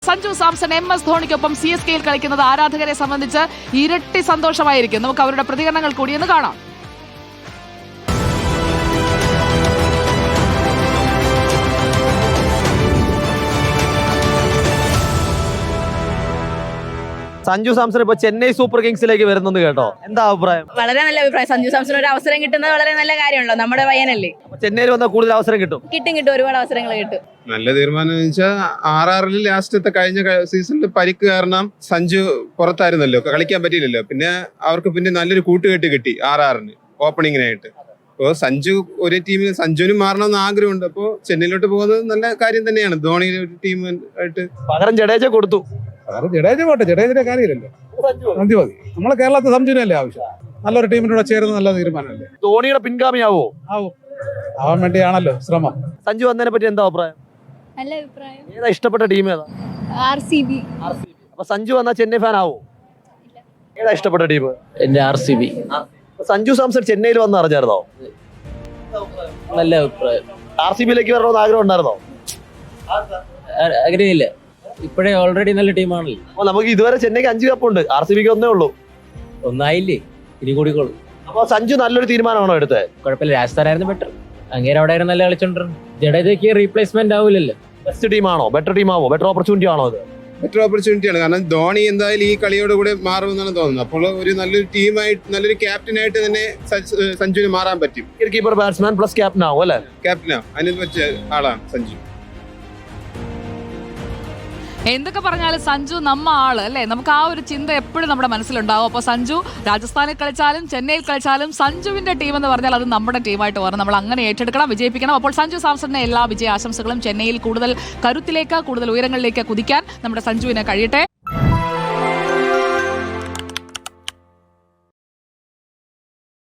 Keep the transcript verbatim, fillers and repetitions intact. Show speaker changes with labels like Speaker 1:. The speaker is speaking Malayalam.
Speaker 1: സഞ്ജു സാംസൺ എം എസ് ധോണിക്കൊപ്പം സി എസ് കെയിൽ കളിക്കുന്നത് ആരാധകരെ സംബന്ധിച്ച് ഇരട്ടി സന്തോഷമായിരിക്കും. നമുക്ക് അവരുടെ പ്രതികരണങ്ങൾ കൂടിയെന്ന് കാണാം.
Speaker 2: സഞ്ജു സാംസൺ ഇപ്പൊ ചെന്നൈ സൂപ്പർ കിങ്സിലേക്ക് വരുന്നത് കേട്ടോ, എന്താ അഭിപ്രായം?
Speaker 3: വളരെ നല്ല അഭിപ്രായം. സഞ്ജു സാംസൺ ഒരു അവസരം കിട്ടുന്നത് വളരെ നല്ല കാര്യമാണല്ലോ. നമ്മുടെ പയ്യനല്ലേ,
Speaker 2: ചെന്നൈയിൽ വന്നാൽ കൂടുതൽ അവസരം കിട്ടും
Speaker 3: കിട്ടും കിട്ടും ഒരുപാട് അവസരങ്ങൾ കിട്ടും.
Speaker 4: നല്ല തീരുമാനം എന്ന് വെച്ചാൽ ആർ ആറിൽ ലാസ്റ്റത്തെ കഴിഞ്ഞ സീസണിൽ പരിക്ക് കാരണം സഞ്ജു പുറത്തായിരുന്നല്ലോ, കളിക്കാൻ പറ്റിയില്ലല്ലോ. പിന്നെ അവർക്ക് പിന്നെ നല്ലൊരു കൂട്ടുകെട്ട് കിട്ടി ആർ ആറിന് ഓപ്പണിങ്ങിനായിട്ട്. അപ്പോൾ സഞ്ജു ഒരു ടീമിന് സഞ്ജുവിനും മാറണമെന്ന് ആഗ്രഹമുണ്ട്. അപ്പോൾ ചെന്നൈയിലോട്ട് പോകുന്നത് നല്ല കാര്യം തന്നെയാണ്. ധോണി ഒരു ടീമായിട്ട്
Speaker 2: പകരം ജഡേജ കൊടുത്തു.
Speaker 5: ജഡേജ പോട്ടെ, ജഡേജിന്റെ കാര്യമില്ലല്ലോ, മതി മതി. നമ്മളെ കേരളത്തിൽ സഞ്ജുവിനല്ലേ ആവശ്യം. നല്ലൊരു ടീമിനോട് ചേർന്ന് നല്ല തീരുമാനമല്ലേ.
Speaker 2: ധോണിയുടെ പിൻഗാമിയാവോ?
Speaker 5: ആവും, ആവാൻ വേണ്ടിയാണല്ലോ ശ്രമം.
Speaker 2: സഞ്ജു വന്നതിനെ പറ്റി എന്താ അഭിപ്രായം?
Speaker 3: നല്ല അഭിപ്രായം.
Speaker 2: ഏതാ ഇഷ്ടപ്പെട്ട ടീം ഏതാ?
Speaker 3: R C B.
Speaker 2: അപ്പൊ സഞ്ജു വന്നാൽ ചെന്നൈ ഫാൻ ആവോ? ഏതാ ഇഷ്ടപ്പെട്ട ടീം?
Speaker 6: എന്റെ R C B.
Speaker 2: Sanju Samson ചെന്നൈയിൽ വന്ന് അറിഞ്ഞായിരുന്നോ?
Speaker 6: നല്ല അഭിപ്രായം.
Speaker 2: ആർ സി ബിയിലേക്ക് വരണമെന്ന് ആഗ്രഹം ഉണ്ടായിരുന്നോ?
Speaker 6: ആഗ്രഹമില്ല, ഇപ്പോഴേ ഓൾറെഡി നല്ല ടീമാണല്ലോ.
Speaker 2: അപ്പൊ നമുക്ക് ഇതുവരെ ചെന്നൈക്ക് അഞ്ച് കപ്പുണ്ട്, ആർ സി ബിക്ക് ഒന്നേ ഉള്ളൂ.
Speaker 6: ഒന്നായില്ലേ, ഇനി കൂടിക്കോളൂ.
Speaker 2: അപ്പൊ സഞ്ജു നല്ലൊരു തീരുമാനമാണോ എടുത്തത്?
Speaker 6: കുഴപ്പമില്ല, രാജസ്ഥാനായിരുന്നു ബെറ്റർ. അങ്ങേരെ അവിടെ ആയിരുന്നു നല്ല കളിച്ചോണ്ടിരുന്നു. ജഡേജയ്ക്ക് റീപ്ലേസ്മെന്റ് ആവില്ലല്ലോ.
Speaker 2: ബെസ്റ്റ് ടീമാണോ, ബെറ്റർ ടീമാവോ, ബെറ്റർ ഓപ്പർച്യൂണിറ്റി ആണോ ഇത്?
Speaker 4: ബെറ്റർ ഓപ്പർച്യൂണിറ്റിയാണ്. കാരണം ധോണി എന്തായാലും ഈ കളിയോട് കൂടെ മാറുമെന്നാണ് തോന്നുന്നത്. അപ്പോൾ ഒരു നല്ലൊരു ടീമായിട്ട് നല്ലൊരു ക്യാപ്റ്റനായിട്ട് തന്നെ സഞ്ജുവിന് മാറാൻ പറ്റും.
Speaker 2: കീപ്പർ ബാറ്റ്സ്മാൻ പ്ലസ് ക്യാപ്റ്റൻ ആവും അല്ലെ?
Speaker 4: ക്യാപ്റ്റനോ അതിന് പറ്റിയ ആളാണ് സഞ്ജു.
Speaker 1: എന്തൊക്കെ പറഞ്ഞാലും സഞ്ജു നമ്മ ആള് അല്ലേ, നമുക്ക് ആ ഒരു ചിന്ത എപ്പോഴും നമ്മുടെ മനസ്സിലുണ്ടാവും. അപ്പോൾ സഞ്ജു രാജസ്ഥാനിൽ കളിച്ചാലും ചെന്നൈയിൽ കളിച്ചാലും സഞ്ജുവിന്റെ ടീം എന്ന് പറഞ്ഞാൽ അത് നമ്മുടെ ടീമായിട്ട് വരണം. നമ്മൾ അങ്ങനെ ഏറ്റെടുക്കണം, വിജയിപ്പിക്കണം. അപ്പോൾ സഞ്ജു സാംസണിന്റെ എല്ലാ വിജയാശംസകളും. ചെന്നൈയിൽ കൂടുതൽ കരുത്തിലേക്ക്, കൂടുതൽ ഉയരങ്ങളിലേക്ക് കുതിക്കാൻ നമ്മുടെ സഞ്ജുവിന് കഴിയട്ടെ.